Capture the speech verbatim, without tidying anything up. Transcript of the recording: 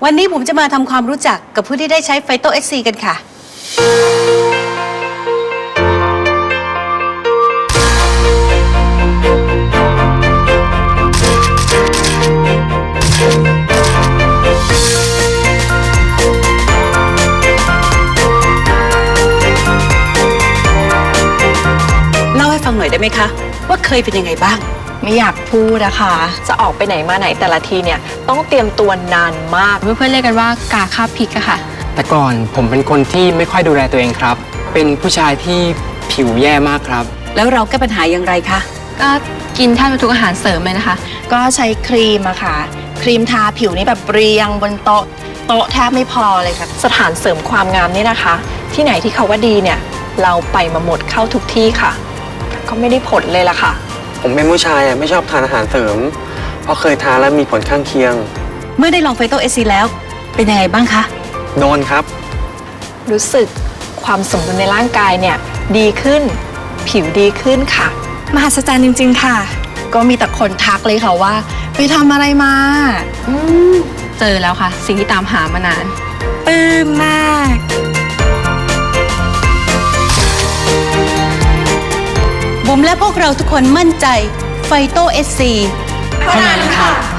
วันนี้ผมจะมาทำความรู้จักกับผู้ที่ได้ใช้ไฟโตเอสซีกันค่ะเล่าให้ฟังหน่อยได้ไหมคะว่าเคยเป็นยังไงบ้างไม่อยากพูดนะคะจะออกไปไหนมาไหนแต่ละทีเนี่ยต้องเตรียมตัวนานมากเพื่อนๆเรียกกันว่ากาคาบพริกอะค่ะแต่ก่อนผมเป็นคนที่ไม่ค่อยดูแลตัวเองครับเป็นผู้ชายที่ผิวแย่มากครับแล้วเราแก้ปัญหาอย่างไรคะก็กินแทบทุกอาหารเสริมเลยนะคะก็ใช้ครีมอะค่ะครีมทาผิวนี่แบบเรียงบนโต๊ะโต๊ะแทบไม่พอเลยค่ะสถานเสริมความงามนี่นะคะ ที่ไหนที่เขาว่าดีเนี่ยเราไปมาหมดเข้าทุกที่ค่ะก็ไม่ได้ผลเลยล่ะค่ะผมเป็นผู้ชายอ่ะไม่ชอบทานอาหารเสริมเพราะเคยทานแล้วมีผลข้างเคียงเมื่อได้ลองไฟโตเอสซีแล้วเป็นยังไงบ้างคะโดนครับรู้สึกความสมดุลในร่างกายเนี่ยดีขึ้นผิวดีขึ้นค่ะมหัศจรรย์จริงๆค่ะก็มีแต่คนทักเลยค่ะว่าไปทำอะไรมาอืมเจอแล้วค่ะสิ่งที่ตามหามานานปลื้มมากบุ๋มและพวกเราทุกคนมั่นใจไฟโตเอสซีเท่านั้นค่ะ